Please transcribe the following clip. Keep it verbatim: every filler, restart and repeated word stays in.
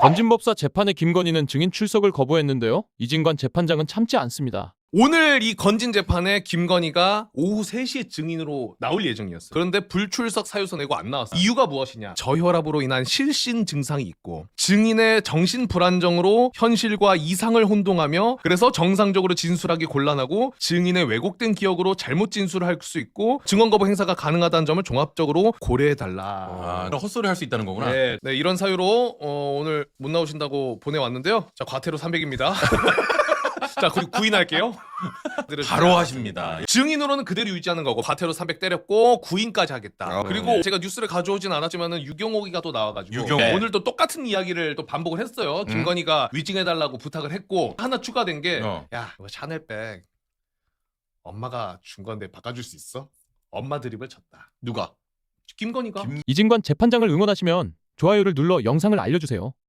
건진법사 재판에 김건희는 증인 출석을 거부했는데요. 이진관 재판장은 참지 않습니다. 오늘 이 건진 재판에 김건희가 오후 세 시에 증인으로 나올 예정이었어요. 그런데 불출석 사유서 내고 안 나왔어요. 이유가 무엇이냐? 저혈압으로 인한 실신 증상이 있고 증인의 정신 불안정으로 현실과 이상을 혼동하며 그래서 정상적으로 진술하기 곤란하고 증인의 왜곡된 기억으로 잘못 진술을 할 수 있고 증언 거부 행사가 가능하다는 점을 종합적으로 고려해달라. 아, 헛소리 할 수 있다는 거구나. 네, 네, 이런 사유로 어, 오늘 못 나오신다고 보내왔는데요. 자, 과태료 삼백입니다. 자, 그리고 구인할게요. 바로 하십니다. 증인으로는 그대로 유지하는 거고 과태료 삼백 때렸고 구인까지 하겠다. 아, 그리고 네. 제가 뉴스를 가져오진 않았지만은 유경옥이가 또 나와가지고 유경옥. 네. 오늘 또 똑같은 이야기를 또 반복을 했어요. 김건희가 위증해달라고 부탁을 했고 하나 추가된 게 어. 야, 이거 샤넬백 엄마가 준 건데 바꿔줄 수 있어? 엄마 드립을 쳤다. 누가? 김건희가. 김- 이진관 재판장을 응원하시면 좋아요를 눌러 영상을 알려주세요.